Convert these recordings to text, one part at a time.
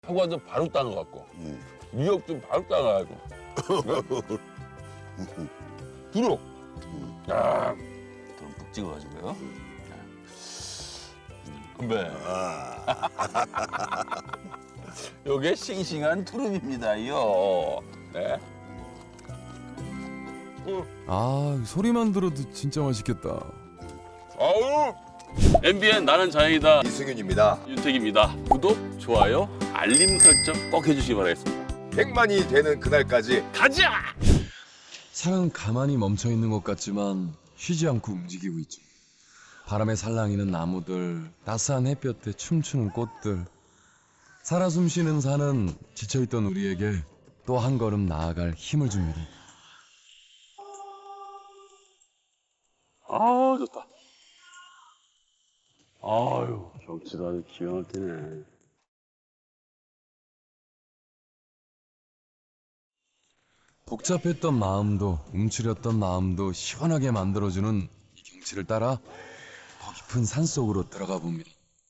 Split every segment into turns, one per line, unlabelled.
사과도 바로 따는 것 같고 미역도 바로 따가지고 부러. 야, 좀 푹 찍어가지고요. 건배. 요게 싱싱한 투릅입니다요. 네.
아, 소리만 들어도 진짜 맛있겠다.
아우. MBN 나는 자연이다.
이승윤입니다.
윤택입니다. 구독, 좋아요, 알림 설정 꼭 해주시기 바라겠습니다.
100만이 되는 그날까지
가자!
산은 가만히 멈춰 있는 것 같지만 쉬지 않고 움직이고 있죠. 바람에 살랑이는 나무들, 따스한 햇볕에 춤추는 꽃들. 살아 숨쉬는 산은 지쳐있던 우리에게 또 한 걸음 나아갈 힘을 줍니다.
아, 좋다. 아유, 경치도 아주 기가 막히네.
복잡했던 마음도 움츠렸던 마음도 시원하게 만들어주는 이 경치를 따라 더 깊은 산속으로 들어가 봅니다.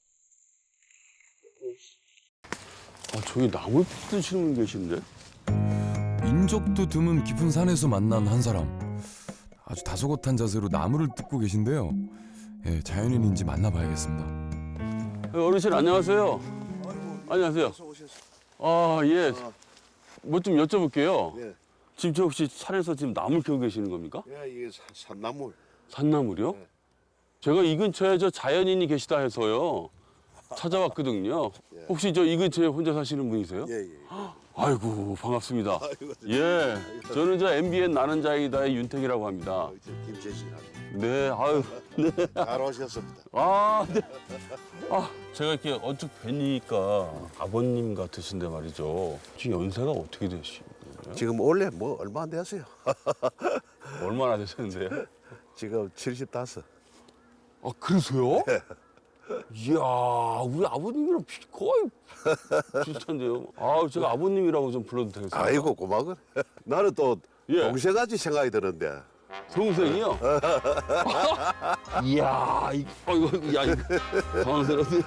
아, 저기 나물 드시는 분 계신데?
인적도 드문 깊은 산에서 만난 한 사람. 아주 다소곳한 자세로 나무를 뜯고 계신데요. 예, 자연인인지 만나봐야겠습니다.
어르신 안녕하세요. 안녕하세요. 아, 예. 뭐 좀 여쭤볼게요.
예.
지금 저 혹시 산에서 지금 나물 키우고 계시는 겁니까?
야, 이게 산나물.
산나물이요?
네.
제가 이 근처에 저 자연인이 계시다 해서요. 찾아왔거든요.
예.
혹시 저 이 근처에 혼자 사시는 분이세요?
예, 예.
아이고, 반갑습니다.
아이고,
예. 저는 저 MBN 나는 자이다의 윤택이라고 합니다.
김재신하고
네, 아유.
잘 오셨습니다.
아, 네. 아, 제가 이렇게 언뜻 뵈니까 아버님 같으신데 말이죠. 지금 연세가 어떻게 되시는 거예요?
지금 원래 뭐 얼마 안 되었어요.
얼마나 되셨는데요?
지금 75.
아, 그러세요? 이야, 우리 아버님이랑 거의 비슷한데요. 아, 제가 아버님이라고 좀 불러도 되겠어요?
아이고 고마워. 나는 또
예.
동생같이 생각이 드는데.
동생이요? 이야, 이거, 야, 이거, 당황스러운데.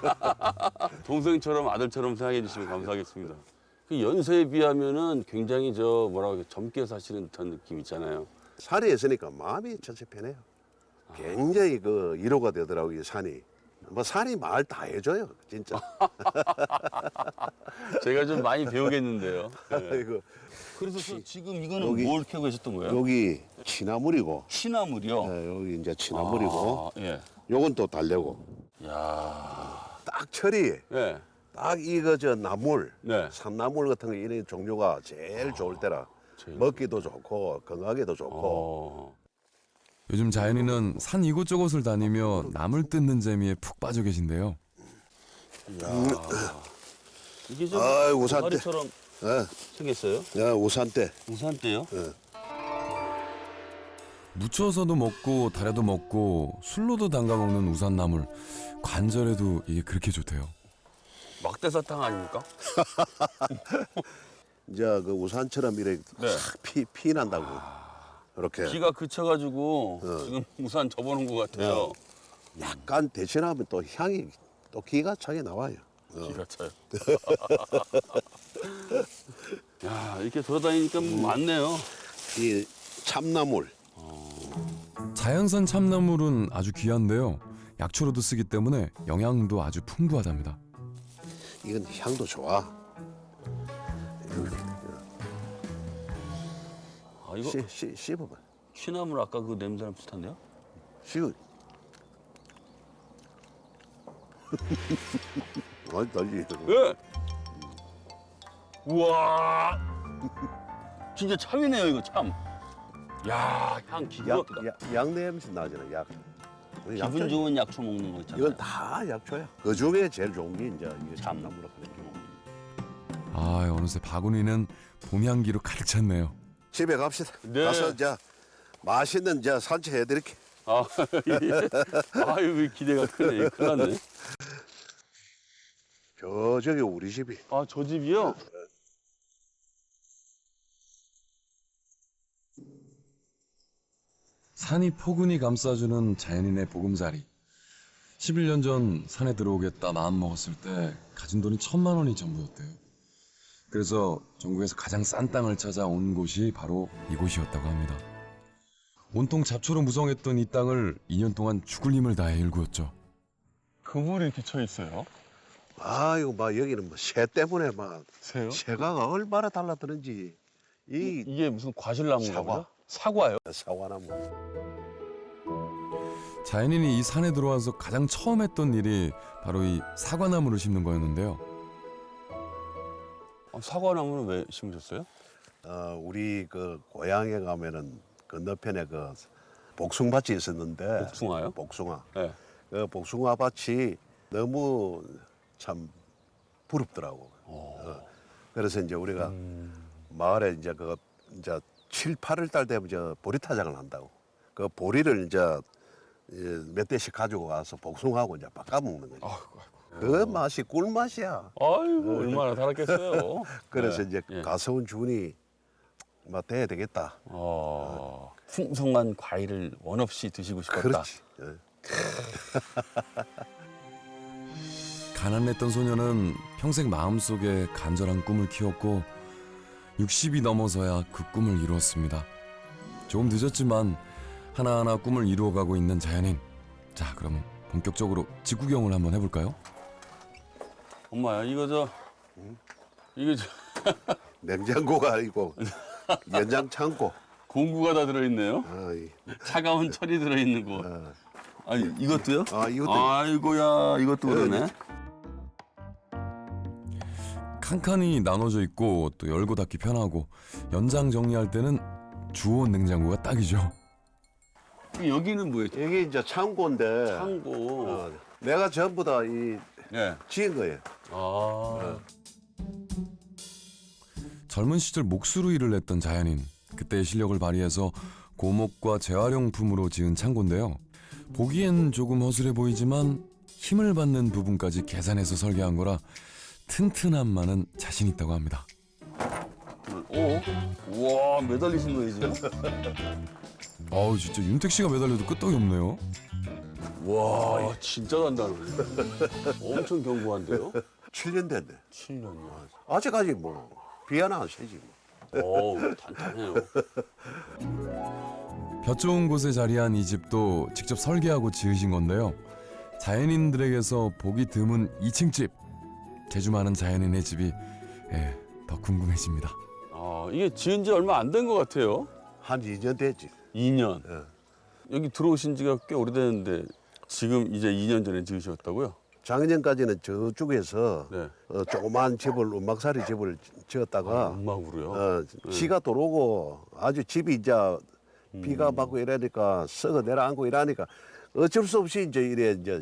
동생처럼 아들처럼 생각해 주시면 감사하겠습니다. 그 연세에 비하면은 굉장히 뭐라고 해야 젊게 사시는 듯한 느낌 있잖아요.
산에 있으니까 마음이 전체 편해요. 굉장히 그 위로가 되더라고요, 산이. 뭐 산이 말 다 해줘요, 진짜.
제가 좀 많이 배우겠는데요. 네.
아이고,
그래서 지금 이거는
여기-
뭘 캐고 계셨던 거예요?
여기 취나물이고,
시나물이요?
여기 이제 취나물이고,
아, 예.
요건 또 달래고.
야,
딱 철이
예.
딱 이거 저 나물,
네.
산나물 같은 거 이런 종류가 제일 좋을 때라
제일
먹기도 좋고 건강에도 좋고.
어.
요즘 자연인은 산 이곳저곳을 다니며 나물 뜯는 재미에 푹 빠져 계신데요.
이게 좀
아이, 우산대.
동아리처럼
예,
생겼어요?
야, 우산대.
우산대요?
무쳐서도 먹고 달여도 먹고 술로도 담가 먹는 우산나물. 관절에도 이게 그렇게 좋대요.
막대사탕 아닙니까?
이제 그 우산처럼 이렇게
네.
싹 피 난다고. 이렇게
비가 그쳐가지고 지금 우산 접어놓은 것 같아요.
약간 대신하면 또 향이 또 기가 차게 나와요.
기가 차요. 야, 이렇게 돌아다니니까 많네요.
이 참나물.
자연산 참나물은 아주 귀한데요. 약초로도 쓰기 때문에 영양도 아주 풍부하답니다.
이건 향도 좋아.
아, 이거
씹어봐.
취나물 아까 그 냄새랑 비슷한데요?
씹어. 아니 달리.
예. 우와. 진짜 참이네요, 이거 참. 야, 향 기가 막히다.
약 냄새 나잖아. 약.
기분 좋은 약초 먹는 거 있잖아요.
이건 다 약초야. 그 중에 제일 좋은 게 이제 이게 참나무라고 그래요.
아, 어느새 바구니는 봄 향기로 가득 찼네요.
집에 갑시다.
네.
가서 이제 맛있는 이제 산책 해드릴게.
아, 예. 아유, 기대가 크네. 큰일 났네.
저기 우리 집이.
아, 저 집이요?
산이 포근히 감싸주는 자연인의 보금자리. 11년 전 산에 들어오겠다 마음먹었을 때 가진 돈이 1,000만 원이 전부였대요. 그래서 전국에서 가장 싼 땅을 찾아 온 곳이 바로 이곳이었다고 합니다. 온통 잡초로 무성했던 이 땅을 2년 동안 죽을 힘을 다해 일구었죠.
그물이 이렇게 쳐 있어요?
아이고 막 여기는 뭐 새 때문에 막
새요?
새가 얼마나 달라드는지 이
이게 무슨 과실나무인가
사과.
보죠? 사과요?
사과나무.
자연인이 이 산에 들어와서 가장 처음 했던 일이 바로 이 사과나무를 심는 거였는데요.
사과나무는 왜 심으셨어요?
우리 그 고향에 가면은 건너편에 그 복숭아밭이 있었는데
복숭아요?
복숭아.
네.
그 복숭아밭이 너무 참 부럽더라고. 그래서 이제 우리가 마을에 이제 그 이제 7, 8월 달 되면 저 보리타장을 한다고. 그 보리를 이제 몇 대씩 가지고 와서 복숭아하고 이제 바꿔 먹는 거지. 그 맛이 꿀맛이야.
아이고 얼마나 달았겠어요.
그래서
네.
이제
예.
가서온 준이 막 돼야 되겠다.
풍성한 과일을 원 없이 드시고 싶었다.
그렇지. 예.
가난했던 소녀는 평생 마음속에 간절한 꿈을 키웠고 60이 넘어서야 그 꿈을 이루었습니다. 조금 늦었지만 하나하나 꿈을 이루어가고 있는 자연인. 자, 그럼 본격적으로 직구경을 한번 해볼까요?
엄마야 이거
냉장고가 아니고 연장 창고.
공구가 다 들어있네요.
아이,
차가운 철이 들어있는 거. 아니 이것도요?
이것도
아이고야 이것도 그러네.
칸칸이 나눠져 있고 또 열고 닫기 편하고 연장 정리할 때는 주온 냉장고가 딱이죠.
여기는 뭐예요?
여기 이제 창고인데
창고.
내가 전부 다 이
예.
지은 거예요.
젊은 시절 몫으로 일을 했던 자연인. 그때의 실력을 발휘해서 고목과 재활용품으로 지은 창고인데요. 보기엔 조금 허술해 보이지만 힘을 받는 부분까지 계산해서 설계한 거라 튼튼함만은 자신 있다고 합니다.
우와 매달리신 거예요 지금?
어우, 진짜 윤택 씨가 매달려도 끄떡이 없네요.
와 진짜 단단해. 엄청 견고한데요?
7년 됐네.
7년이요.
아직까지 뭐 비 하나 안 새지 뭐.
어우 단단해요.
볕 좋은 곳에 자리한 이 집도 직접 설계하고 지으신 건데요. 자연인들에게서 보기 드문 2층 집. 재주 많은 자연인의 집이 더 궁금해집니다.
이게 지은 지 얼마 안 된 것 같아요.
한 2년 됐지.
2년.
예.
여기 들어오신 지가 꽤 오래됐는데 지금 이제 2년 전에 지으셨다고요?
작년까지는 저쪽에서
네.
조그만 집을 움막살이 집을 지었다가
음악으로요?
지가 들어오고 아주 집이 이제 비가 맞고 이러니까 썩어 내려앉고 이러니까 어쩔 수 없이 이제 이래 이제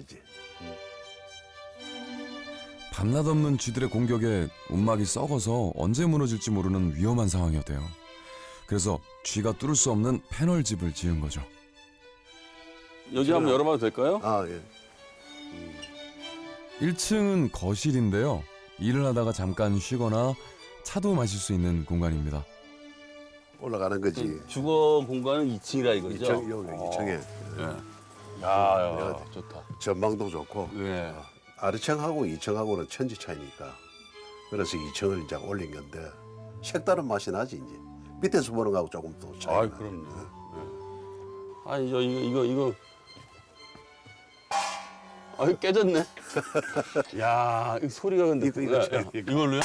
밤낮 없는 쥐들의 공격에 움막이 썩어서 언제 무너질지 모르는 위험한 상황이었대요. 그래서 쥐가 뚫을 수 없는 패널집을 지은 거죠.
여기 한번 열어봐도 될까요?
예.
1층은 거실인데요. 일을 하다가 잠깐 쉬거나 차도 마실 수 있는 공간입니다.
올라가는 거지.
주거 공간은 2층이라 이거죠?
2층, 여기 2층에
예. 야, 좋다.
전망도 좋고
예.
아래층하고 2층하고는 천지 차이니까 그래서 2층을 이제 올린 건데 색다른 맛이 나지 이제 밑에서 보는 거하고 조금 더 차이가
아이, 그럼요. 예. 아니, 이거. 아이, 깨졌네. 야, 이 소리가 근데. 이걸로요?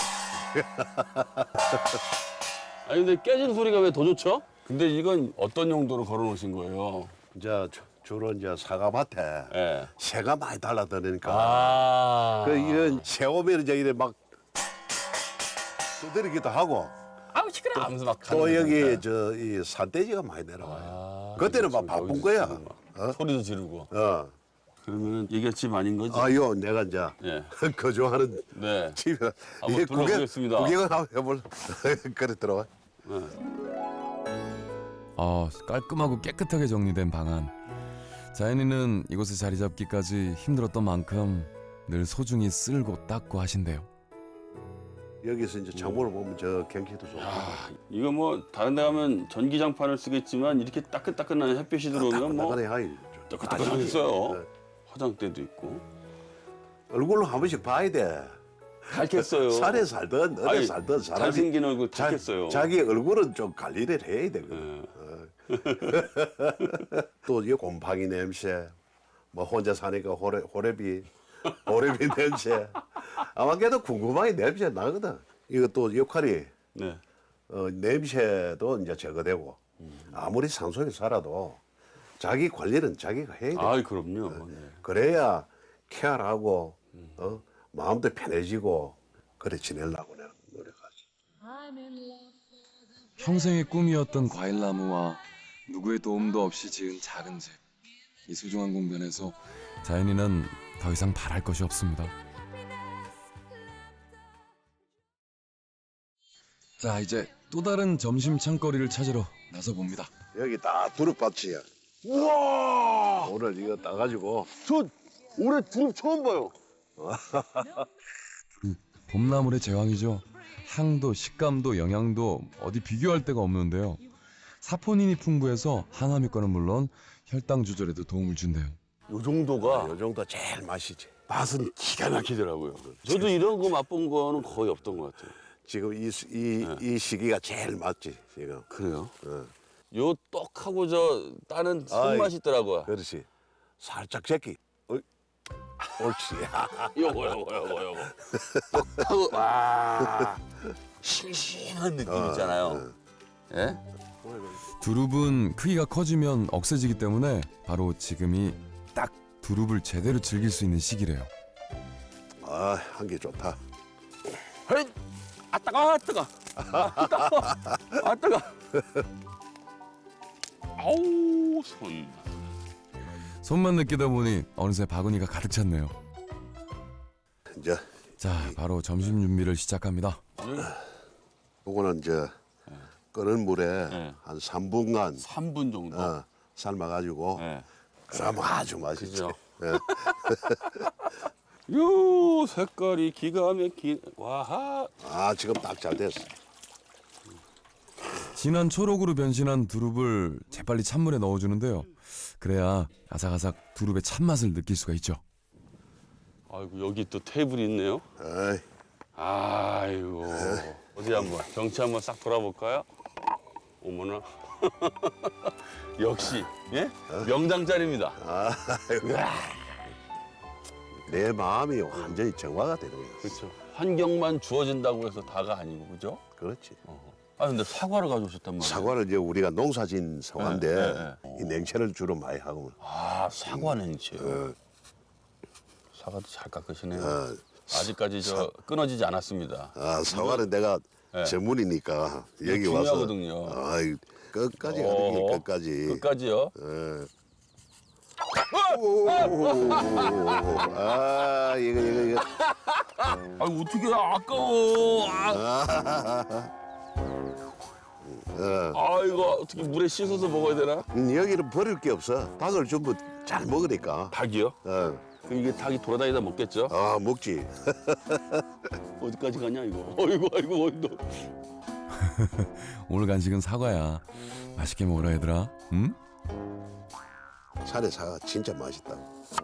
아니, 근데 깨진 소리가 왜 더 좋죠? 근데 이건 어떤 용도로 걸어 놓으신 거예요?
이제 주로 이제 사과밭에
예.
새가 많이 달라드니까 그 이런 새 오면 이제 이래 막 두드리기도 하고
아우, 시끄러워. 하면서 막
또
가는
여기
거니까.
저 이 산돼지가 많이 내려와요. 그때는 막 바쁜
여기서
거야.
지금 막 소리도 지르고.
그러면은
이게 집 아닌 거지?
요 내가 이제
예.
거주하는
네.
집이라
한번 불러보겠습니다.
구경을 한번 해볼 그래 들어와.
깔끔하고 깨끗하게 정리된 방안. 자연인은 이곳에 자리 잡기까지 힘들었던 만큼 늘 소중히 쓸고 닦고 하신대요.
여기서 이제 창문을 보면 저 경치도 좋고
이거 뭐 다른 데 가면 전기장판을 쓰겠지만 이렇게 따끈따끈한 햇빛이 들어오면 뭐
나가네 하이
따끈따끈하겠어요. 화장대도 있고.
얼굴로 한 번씩 봐야 돼.
닮겠어요.
산에 살던 어디
아니,
살던 사람이
잘생긴 얼굴 닮겠어요.
자기 얼굴은 좀 관리를 해야 돼. 또 이 곰팡이 냄새, 뭐 혼자 사니까 호래비 냄새. 아마 걔도 궁금하게 냄새 나거든. 이거 또 역할이
네.
냄새도 이제 제거되고 아무리 산속에 살아도 자기 관리는 자기가 해야 돼.
아, 그럼요. 네.
그래야 케어하고 마음도 편해지고 그래 지내려고 내가 노력하지.
평생의 꿈이었던 과일나무와 누구의 도움도 없이 지은 작은 집. 이 소중한 공간에서 자연이는 더 이상 바랄 것이 없습니다. 자, 이제 또 다른 점심 창거리를 찾으러 나서 봅니다.
여기 다 두릅밭이야.
우와!
오늘 이거 따가지고
저 올해 두릅 처음 봐요.
봄나물의 제왕이죠. 향도 식감도 영양도 어디 비교할 데가 없는데요. 사포닌이 풍부해서 항암 효과는 물론 혈당 조절에도 도움을 준대요.
요 정도가
요 정도 제일 맛이지.
맛은 기가 막히더라고요. 저도 이런 거 맛본 거는 거의 없던 것 같아요.
지금 이 시기가 제일 맞지 지금.
그래요?
어.
요 떡하고 저 따는 손맛이 있더라고요.
그렇지. 살짝 제끼. 옳지.
요거. 떡하고 와 싱싱한 느낌 있잖아요. 예?
두릅은 크기가 커지면 억세지기 때문에 바로 지금이 딱 두릅을 제대로 즐길 수 있는 시기래요.
아, 한 개 좋다.
헤이! 아 따가. 아우 손.
손만 느끼다 보니 어느새 바구니가 가득 찼네요.
이제
자, 바로 점심 준비를 시작합니다.
요거는 이제 끓는 물에
네.
한 3분간
3분 정도.
삶아가지고
네.
그러면 아주 맛있지.
그죠?
예.
요 색깔이 기가 막힌 와하.
아, 지금 딱 잘 됐어.
진한 초록으로 변신한 두릅을 재빨리 찬물에 넣어주는데요. 그래야 아삭아삭 두릅의 찬맛을 느낄 수가 있죠.
아이고 여기 또 테이블이 있네요.
에이,
아이고 어디 한번 경치 한번 싹 돌아볼까요? 어머나. 역시 예 명당짜리입니다.
내 마음이 완전히 정화가 되는 거야.
그렇죠. 환경만 주어진다고 해서 다가 아니고 그죠?
그렇지.
아 근데 사과를 가져오셨단 말이에요.
사과를 이제 우리가 농사진 사과인데
네.
이 냉채를 주로 많이 하고.
아 사과 냉채요. 사과도 잘 깎으시네요. 아직까지 저 끊어지지 않았습니다.
아, 사과는 내가
네.
전문이니까 여기
이거
와서
중요하거든요.
아이, 끝까지 가는 게 끝까지.
끝까지요?
예. 아, 이거.
아 어떻게 아까워. 아 이거 어떻게 물에 씻어서 먹어야 되나?
여기는 버릴 게 없어. 닭을 전부 잘 먹으니까.
닭이요?
어.
그럼 이게 닭이 돌아다니다 먹겠죠?
아, 먹지.
어디까지 가냐 이거? 어이구 너.
오늘 간식은 사과야. 맛있게 먹으라 얘들아. 응?
산에 사과 진짜 맛있다.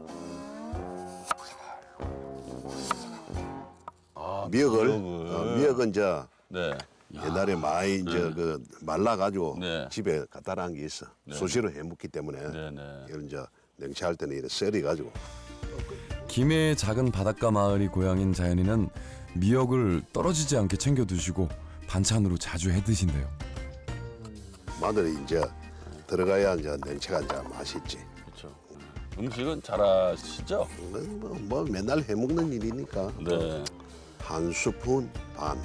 아
미역을,
미역을.
미역은 이제
네.
옛날에 많이 이제 그 말라가지고
네.
집에 갖다 놔한 게 있어. 수시로 해먹기 때문에
네네.
이걸 이제 냉채할 때는 이렇게 썰어가지고.
김해의 작은 바닷가 마을이 고향인 자연이는 미역을 떨어지지 않게 챙겨 두시고 반찬으로 자주 해 드신대요.
마늘이 이제 들어가야 이제 냉채가 이제 맛있지.
그렇죠. 음식은 잘하시죠?
뭐 맨날 해먹는 일이니까.
네.
한 스푼 반.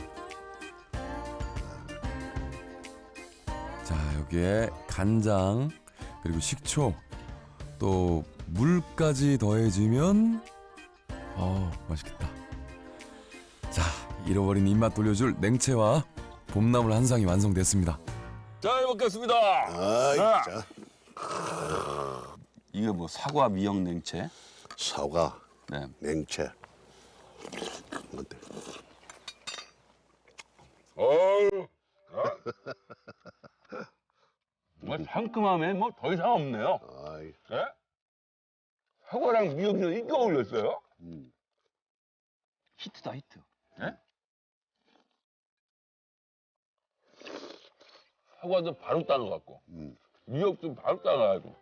자, 여기에 간장 그리고 식초 또 물까지 더해지면 맛있겠다. 자, 잃어버린 입맛 돌려줄 냉채와 봄나물 한 상이 완성됐습니다.
잘 먹겠습니다.
아이,
자.
자,
이게 뭐 사과 미역 냉채?
사과,
네.
냉채. 어때?
어유. 정말 상큼함에 뭐 더 이상 없네요.
아이,
네? 사과랑 미역이 이렇게 어울렸어요?
히트다 히트.
사과도 바로 따는 것 같고 미역도 바로 따가지고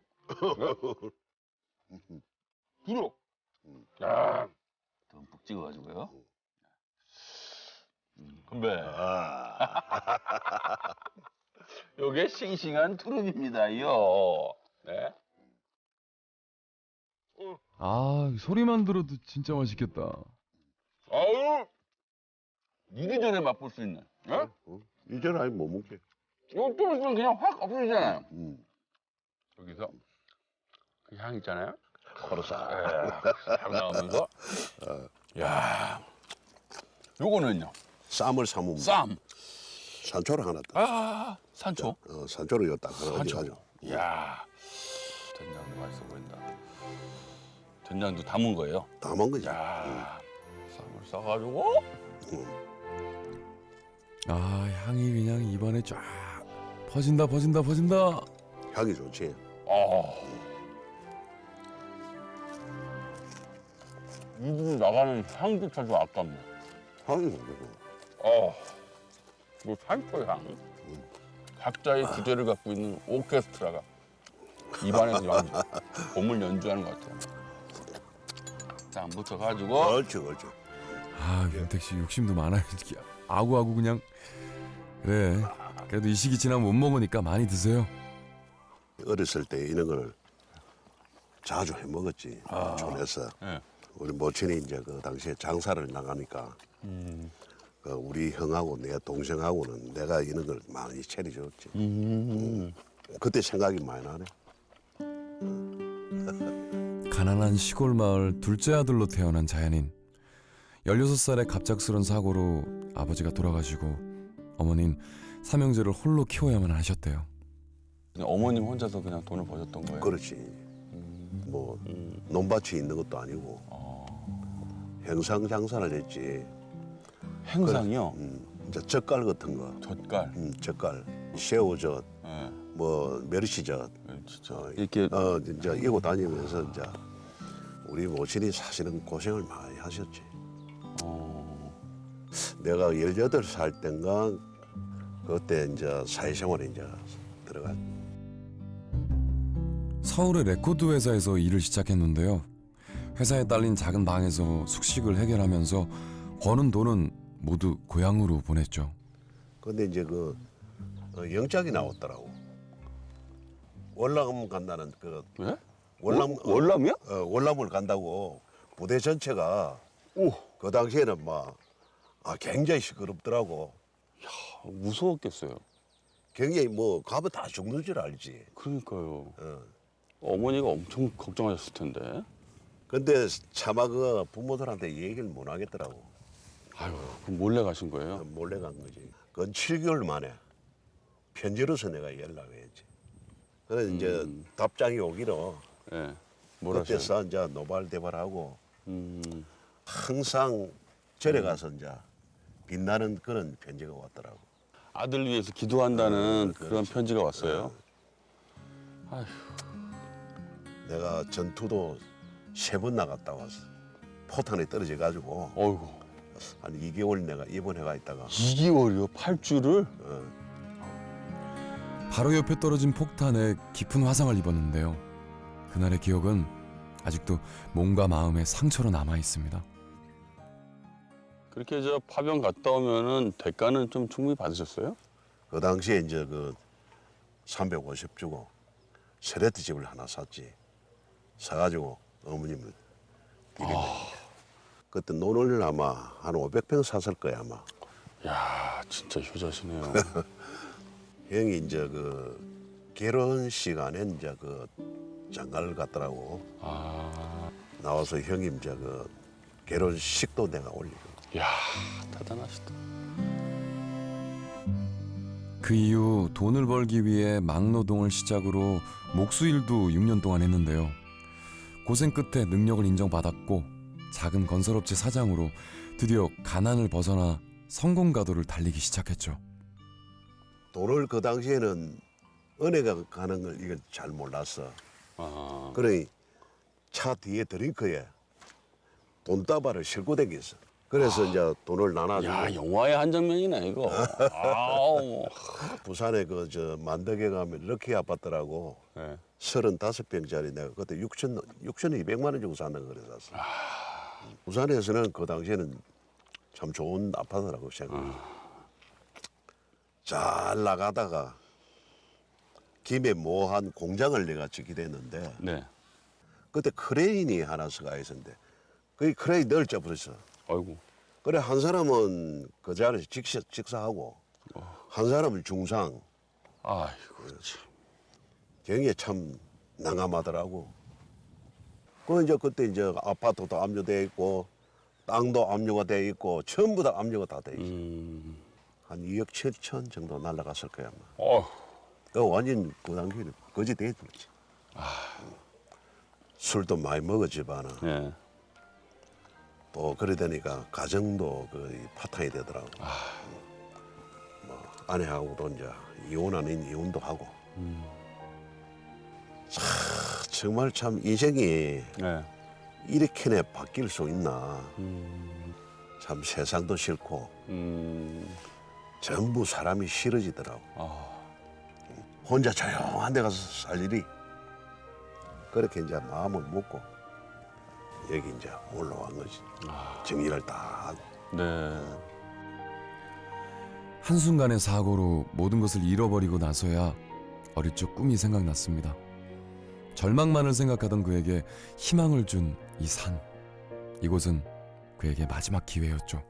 부드러. 야,
듬뿍 찍어가지고요.
건배. 요게 싱싱한 투릅입니다요. 네.
아, 소리만 들어도 진짜 맛있겠다.
아유, 이리저리 맛볼 수 있는. 예?
이제는 아예 못 먹게.
이거 좀 있으면 그냥 확 없어지잖아요. 여기서 그 향 있잖아요.
코로 싹.
싹 나오면서. 야, 요거는요.
쌈을 삶으면
쌈.
산초를 하나 딱.
아, 산초.
산초를 이거 딱 하나
산초.
가지고.
이야, 된장도 맛있어 보인다. 된장도 담은 거예요.
다 먹은 거지.
야, 쌈을 싸가지고.
아, 향이 그냥 입안에 쫙 퍼진다.
향이 좋지.
입으로 나가는 향조차 좀 아깝네.
향이 좋고.
뭐 산초 향. 각자의 주제를 갖고 있는 오케스트라가 입안에서 봄을 연주하는 것 같아요. 쌈부터 가지고.
그렇지.
아, 윤택 씨 욕심도 많아요. 이렇게 아구아구 그냥. 그래. 그래도 이 시기 지나면 못 먹으니까 많이 드세요.
어렸을 때 이런 걸 자주 해 먹었지. 촌에서.
네.
우리 모친이 이제 그 당시에 장사를 나가니까 그 우리 형하고 내 동생하고는 내가 이런 걸 많이 차려줬지. 그때 생각이 많이 나네.
가난한 시골 마을 둘째 아들로 태어난 자연인. 16살의 갑작스런 사고로 아버지가 돌아가시고 어머닌 삼형제를 홀로 키워야만 하셨대요.
그냥 어머님 혼자서 그냥 돈을 버셨던 거예요?
그렇지. 뭐 논밭이 있는 것도 아니고 행상 장사를 했지.
행상이요?
이제 젓갈 같은 거,
젓갈.
젓갈, 새우젓,
네.
뭐 멸치젓,
진짜 이렇게
이제 이고 다니면서 이제 우리 모친이 사실은 고생을 많이 하셨지. 내가 18살 땐가 그때 이제 사회생활에 이제 들어갔.
서울의 레코드 회사에서 일을 시작했는데요. 회사에 딸린 작은 방에서 숙식을 해결하면서 버는 돈은 모두 고향으로 보냈죠.
근데 이제 그 영장이 나왔더라고. 월남 간다는 그
예?
월남이요? 월남을 간다고 부대 전체가 그 당시에는 막 굉장히 시끄럽더라고.
무서웠겠어요.
굉장히 뭐 가면 다 죽는 줄 알지.
그러니까요.
어.
어머니가 엄청 걱정하셨을 텐데.
근데 차마 그 부모들한테 얘기를 못 하겠더라고.
아유, 그럼 몰래 가신 거예요?
몰래 간 거지. 그건 7개월 만에 편지로서 내가 연락을 했지. 그래서 이제 답장이 오기로
예. 뭐라 하셔요?
그때서 이제 노발대발하고
음.
항상 절에 가서 이제 빛나는 그런 편지가 왔더라고.
아들 위해서 기도한다는 그런 편지가 왔어요. 아휴.
내가 전투도 3번 나갔다 왔어. 포탄에 떨어져 가지고
어이구.
한 2개월 내가 입원해가 있다가
2개월이요? 8주를?
바로 옆에 떨어진 폭탄에 깊은 화상을 입었는데요. 그날의 기억은 아직도 몸과 마음에 상처로 남아 있습니다.
그렇게 저 파병 갔다 오면은 대가는 좀 충분히 받으셨어요?
그 당시에 이제 그 350 주고 세레트 집을 하나 샀지. 사가지고 어머님을 드리는 그때 논을 아마 한 500평 샀을 거야 아마.
야, 진짜 효자시네요.
형이 이제 그 결혼 시간에 이제 그 장가를 갔더라고.
아,
나와서 형이 이제 그 결혼식도 내가 올리고.
야, 대단하시다.
그 이후 돈을 벌기 위해 막노동을 시작으로 목수일도 6년 동안 했는데요. 고생 끝에 능력을 인정받았고 작은 건설업체 사장으로 드디어 가난을 벗어나 성공 가도를 달리기 시작했죠.
돈을 그 당시에는 은혜가 가는 걸 이걸 잘 몰랐어.
아,
그러니 차 뒤에 드링크에 돈다발을 싣고 다녔어. 그래서 이제 돈을 나눠주고
야, 영화의 한 장면이네 이거. 아우.
부산에 그 저 만덕에 가면 럭키 아파트라고
네.
35평짜리 내가 그때 6,200만 원 주고 샀는 거 그래서 부산에서는 그 당시에는 참 좋은 아파트라고 생각해요. 잘 나가다가 김에 뭐 한 공장을 내가 짓게 됐는데
네.
그때 크레인이 하나 서가 있었는데 그 크레인 늘 접었어.
아이고.
그래 한 사람은 그 자리에서 직사하고 한 사람은 중상.
아이고 참.
경에 참 난감하더라고. 그 이제 그때 이제 아파트도 압류돼 있고 땅도 압류가 돼 있고 전부 다 압류가 다 돼 있어. 한 2억 7천 정도 날라갔을 거야 아마.
어.
그 완전 그 당시에는 거지 돼 있었지. 술도 많이 먹었지만은
네.
또 그러다니까 가정도 그 파탄이 되더라고. 뭐 아내하고도 이제 이혼 아닌 이혼도 하고. 참, 정말 참 인생이
네.
이렇게나 바뀔 수 있나. 참 세상도 싫고 전부 사람이 싫어지더라고. 혼자 조용한 데 가서 살 일이. 그렇게 이제 마음을 먹고 여기 이제 올라온 거지. 정리를 다 하고.
네.
한순간의 사고로 모든 것을 잃어버리고 나서야 어릴 적 꿈이 생각났습니다. 절망만을 생각하던 그에게 희망을 준 이 산. 이곳은 그에게 마지막 기회였죠.